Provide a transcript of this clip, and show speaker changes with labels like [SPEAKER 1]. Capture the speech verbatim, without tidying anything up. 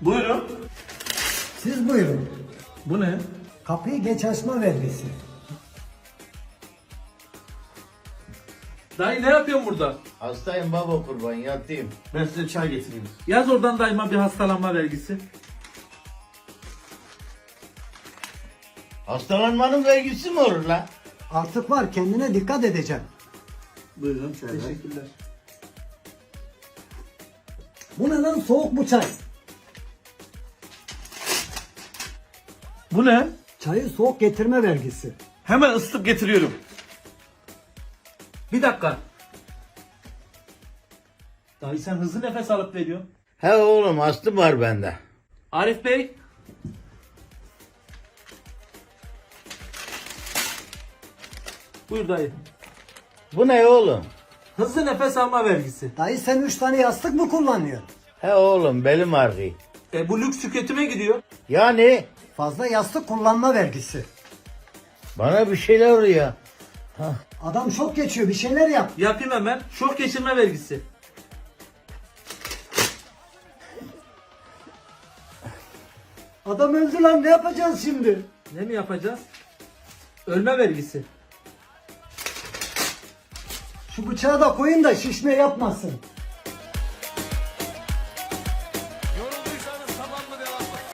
[SPEAKER 1] Buyurun.
[SPEAKER 2] Siz buyurun.
[SPEAKER 1] Bu ne?
[SPEAKER 2] Kapıyı geç açma vergisi.
[SPEAKER 1] Dayı ne yapıyorsun burada?
[SPEAKER 3] Hastayım baba kurban yatayım.
[SPEAKER 1] Ben size çay getireyim. Yaz oradan dayıma bir hastalanma vergisi.
[SPEAKER 3] Hastalanmanın vergisi mi olur lan?
[SPEAKER 2] Artık var, kendine dikkat edeceksin.
[SPEAKER 1] Buyurun. Teşekkürler.
[SPEAKER 2] Bu ne lan, soğuk bu çay.
[SPEAKER 1] Bu ne?
[SPEAKER 2] Çayı soğuk getirme vergisi.
[SPEAKER 1] Hemen ısıtıp getiriyorum. Bir dakika. Dayı sen hızlı nefes alıp veriyorsun.
[SPEAKER 3] He oğlum astım var bende.
[SPEAKER 1] Arif Bey. Buyur dayı.
[SPEAKER 3] Bu ne oğlum?
[SPEAKER 1] Hızlı nefes alma vergisi.
[SPEAKER 2] Dayı sen üç tane yastık mı kullanıyorsun?
[SPEAKER 3] He oğlum belim ağrıyor.
[SPEAKER 1] E bu lüks tüketime gidiyor.
[SPEAKER 3] Yani
[SPEAKER 2] Fazla yastık kullanma vergisi.
[SPEAKER 3] bana bir şeyler oluyor.
[SPEAKER 2] Adam şok geçiyor, bir şeyler yap.
[SPEAKER 1] Yapayım hemen. Şok geçirme vergisi.
[SPEAKER 2] Adam öldü lan, ne yapacağız şimdi?
[SPEAKER 1] Ne mi yapacağız? Ölme vergisi.
[SPEAKER 2] Şu bıçağı da koyun da şişme yapmasın.